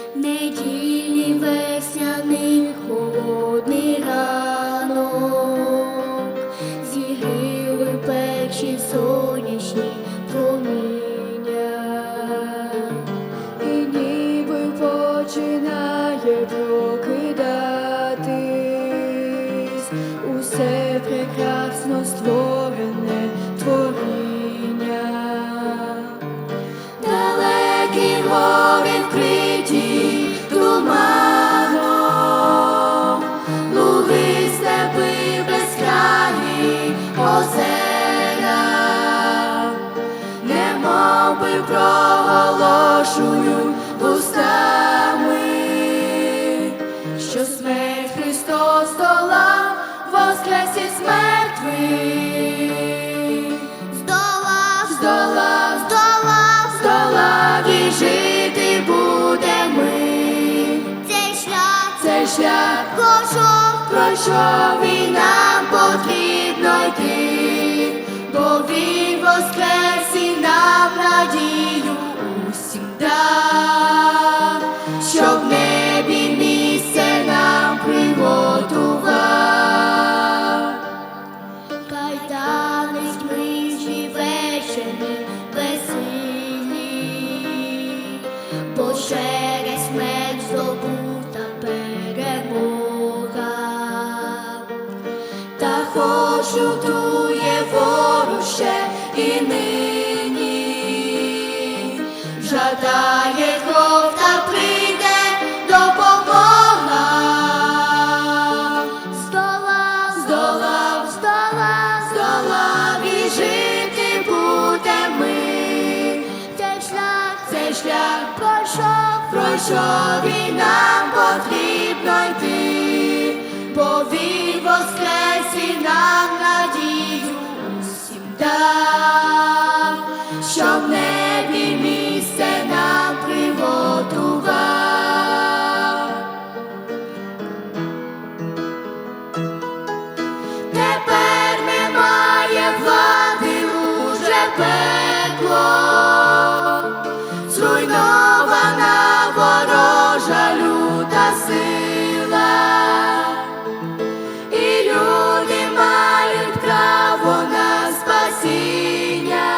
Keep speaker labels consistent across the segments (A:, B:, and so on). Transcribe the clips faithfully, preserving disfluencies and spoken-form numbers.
A: Недільний весняний холодний ранок, зігріли перші сонячні проміння, і ніби починає прокидатись усе прекрасно створене творіння. Далекі гори вкриті туманом, луги, степи безкрайні, озера, немовби проголошують устами, що смерть Христос долав, воскрес із мертвих, здолав, здолав, здолав, здолав, і жити будемо ми. Цей шлях, цей шлях пройшов, пройшов, і нам потрібно йти, бо Він воскрес і нам надію усім дав, щоб в небі місце нам приготував. Кайданись ми живечені безсильні, бо через смерть здобута перемога. Та хоч лютує ворог ще і нині, жадає кров, та прийде допомога. Здолав, здолав, здолав, здолав, і жити будемо ми. Цей шлях, цей шлях пройшов, пройшов, і нам потрібно йти, бо Він воскрес і нам надію усім дав, що в небі місце нам приготував. Тепер немає влади уже пекло, зруйнована ворожа люта сила, і люди мають право на спасіння,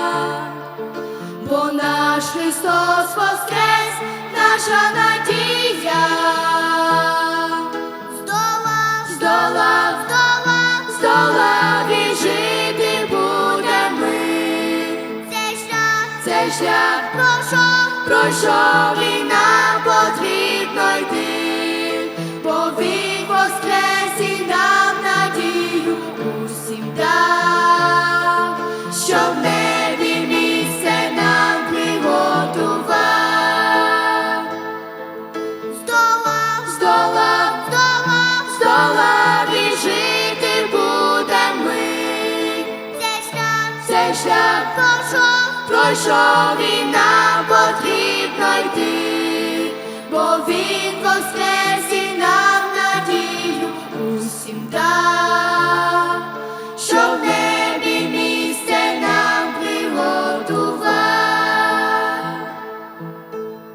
A: бо наш Христос воскрес, наша надія. Здолав, здолав, здолав, здолав, і жити будемо ми. Цей шлях, цей шлях пройшов, пройшов, і нам потрібно йти, бо Він воскрес і нам надію усім дав, що в небі місце нам приготував. Здолав, здолав, здолав, здолав, і жити будемо ми. Цей шлях, цей шлях пройшов, пройшов, і нам потрібно йти, бо Він воскрес